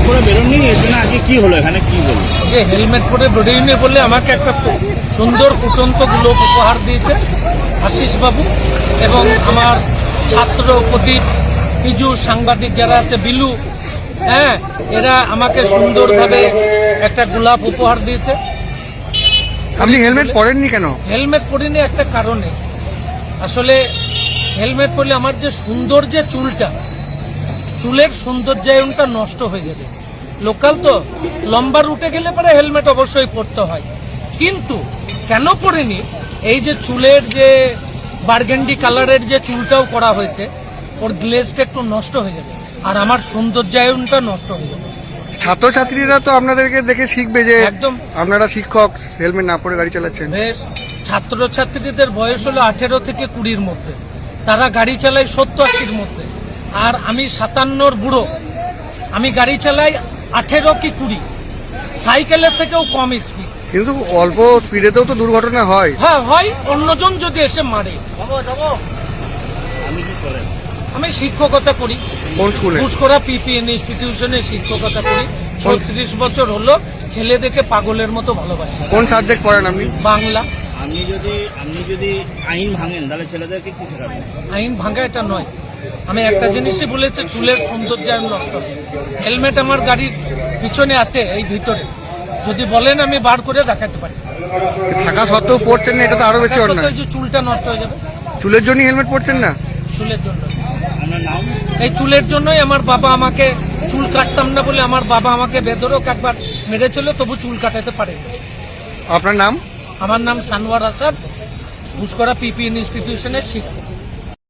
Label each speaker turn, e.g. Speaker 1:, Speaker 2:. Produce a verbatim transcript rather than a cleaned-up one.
Speaker 1: পরে বেরোননি, এর জন্য আজকে কি হলো এখানে, কি বলবো?
Speaker 2: যে হেলমেট পরে বেরোয়নি বলে আমাকে একটা সুন্দর ফুটন্ত গোলক উপহার দিয়েছে আশিস বাবু, এবং আমার ছাত্র প্রদীপ, পিজু, সাংবাদিক যারা আছে, বিলু, হ্যাঁ, এরা আমাকে সুন্দরভাবে একটা গোলাপ উপহার দিয়েছে।
Speaker 3: আপনি হেলমেট পরেননি কেন?
Speaker 2: হেলমেট পরিনি একটা কারণে, আসলে হেলমেট পরলে আমার যে সুন্দর যে চুলটা, চুলের সৌন্দর্যায়নটা নষ্ট হয়ে যাবে। লোকাল তো লম্বা রুটে গেলে পরে হেলমেট অবশ্যই পরতে হয়, কিন্তু কেন পরিনি, এই যে চুলের যে বার্গেন্ডি কালারের যে চুলটাও করা হয়েছে, ওর গ্লেজটা একটু নষ্ট হয়ে যাবে আর আমার সৌন্দর্যায়নটা নষ্ট হয়ে যাবে।
Speaker 3: ছাত্রছাত্রীরা তো আপনাদেরকে দেখে শিখবে যে
Speaker 2: একদম
Speaker 3: আপনারা শিক্ষক, হেলমেট না পরে গাড়ি চালাচ্ছেন।
Speaker 2: বেশ, ছাত্রছাত্রীদের বয়স হলো আঠেরো থেকে কুড়ির মধ্যে, তারা গাড়ি চালায় সত্তর আশির মধ্যে, আর আমি সাতান্নর বুড়ো, আমি গাড়ি চালাই আঠেরো কি কুড়ি, সাইকেলের থেকেও কম স্পিড।
Speaker 3: কিন্তু অল্প স্পিডেতেও তো দুর্ঘটনা হয়।
Speaker 2: হ্যাঁ হয়, অন্যজন যদি এসে মারে।
Speaker 1: আমি কি করেন?
Speaker 2: আমি শিক্ষকতা করি,
Speaker 3: কোন স্কুলে?
Speaker 2: পুষ্করা পিপিএন ইনস্টিটিউশনে শিক্ষকতা করি। ছত্রিশ বছর হলো, ছেলে দেখে পাগলের মতো ভালোবাসি।
Speaker 3: কোন সাবজেক্ট পড়েন আপনি?
Speaker 2: বাংলা।
Speaker 1: আপনি যদি আপনি যদি আইন ভাঙেন তাহলে ছেলেদেরকে কি শেখাবেন?
Speaker 2: আইন ভাঙা এটা নয়, আমি একটা জিনিসই বলেছি, চুলের সৌন্দর্যায়ন নষ্ট হবে। হেলমেট আমার গাড়ির পিছনে আছে, এই ভিতরে, যদি বলেন আমি বার করে দেখাতে পারি।
Speaker 3: থাকা সত্ত্বেও পড়ছেন না, এটা তো আরো বেশি
Speaker 2: তার
Speaker 3: অন্যায়।
Speaker 2: সত্ত্বেও যে চুলটা নষ্ট হয়ে যাবে,
Speaker 3: চুলের জন্য হেলমেট পড়ছেন না?
Speaker 2: চুলের জন্য।
Speaker 1: আপনার নাম?
Speaker 2: এই চুলের জন্যই আমার বাবা আমাকে, চুল কাটতাম না বলে আমার বাবা আমাকে বেদরক একবার মেরেছিল, তবু চুল কাটাতে পারে।
Speaker 3: আপনার নাম?
Speaker 2: আমার নাম সানোয়ার আসাদ, পুষ্করা পিপিএন ইনস্টিটিউশনের শিক্ষক।